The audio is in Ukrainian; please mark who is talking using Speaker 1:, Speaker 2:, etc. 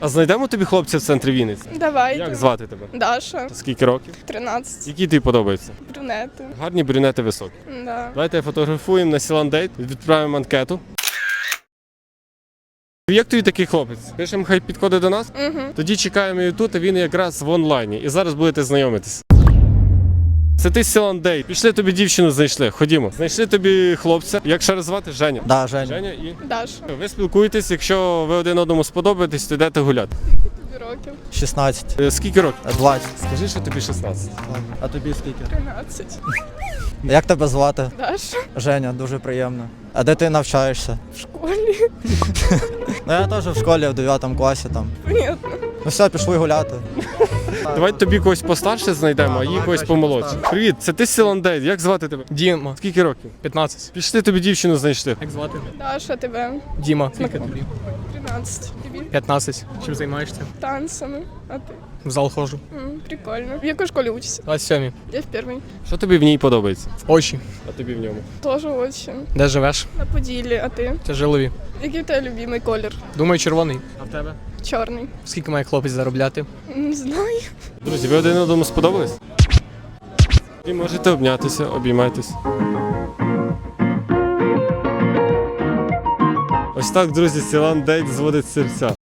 Speaker 1: А знайдемо тобі хлопця в центрі Вінниці?
Speaker 2: Давайте.
Speaker 1: Як звати тебе?
Speaker 2: Даша,
Speaker 1: Скільки років?
Speaker 2: 13.
Speaker 1: Які тобі подобаються?
Speaker 2: Брюнети.
Speaker 1: Гарні брюнети високі.
Speaker 2: Да.
Speaker 1: Давайте фотографуємо на Сіландейт, відправимо анкету. Як тобі такий хлопець? Пишемо, хай підходить до нас?
Speaker 2: Угу.
Speaker 1: Тоді чекаємо його тут, а він якраз в онлайні. І зараз будете знайомитись. Це ти Сіландейт. Пішли, тобі дівчину знайшли. Ходімо. Знайшли тобі хлопця. Як ще раз звати? Женя.
Speaker 3: Да, Женя.
Speaker 1: Женя і...
Speaker 2: Даша.
Speaker 1: Ви спілкуєтесь, якщо ви один одному сподобаєтесь, то йдете гуляти.
Speaker 2: Тобі років.
Speaker 3: 16.
Speaker 1: Скільки років?
Speaker 3: 20.
Speaker 1: Скажи, що тобі 16.
Speaker 3: А тобі скільки?
Speaker 2: 13.
Speaker 3: Як тебе звати?
Speaker 2: Даша.
Speaker 3: Женя, дуже приємно. А де ти навчаєшся?
Speaker 2: В школі.
Speaker 3: Ну я теж в школі в 9 класі там.
Speaker 2: Понятно.
Speaker 3: Ну все, пішли гуляти.
Speaker 1: Давай тобі когось постарше знайдемо, а їй
Speaker 3: давай
Speaker 1: когось
Speaker 3: краще
Speaker 1: помолодше.
Speaker 3: постарше.
Speaker 1: Привіт, це ти Сіландейт. Як звати тебе?
Speaker 4: Діма,
Speaker 1: Скільки років?
Speaker 4: 15.
Speaker 1: Пішли, тобі дівчину знайшли.
Speaker 4: Як звати?
Speaker 2: Даша, тебе.
Speaker 4: Діма. Скільки тобі?
Speaker 2: 13. Тобі.
Speaker 4: 15. Чим займаєшся?
Speaker 2: Танцями. А ти?
Speaker 4: В зал ходжу.
Speaker 2: Прикольно. В якій школі учишся?
Speaker 4: 27.
Speaker 2: Я в першій.
Speaker 1: Що тобі в ній подобається?
Speaker 4: В очі.
Speaker 1: А тобі в ньому?
Speaker 2: Тоже очень.
Speaker 4: Де живеш?
Speaker 2: На Поділлі, а ти?
Speaker 4: Тяжилові.
Speaker 2: Який в тебе любимий колір?
Speaker 4: Думаю, червоний. А в тебе?
Speaker 2: Чорний.
Speaker 4: Скільки має хлопець заробляти?
Speaker 2: Не знаю.
Speaker 1: Друзі, ви один одному сподобались? І можете обнятися, обіймайтесь. Ось так, друзі, Сіландейт зводить серця.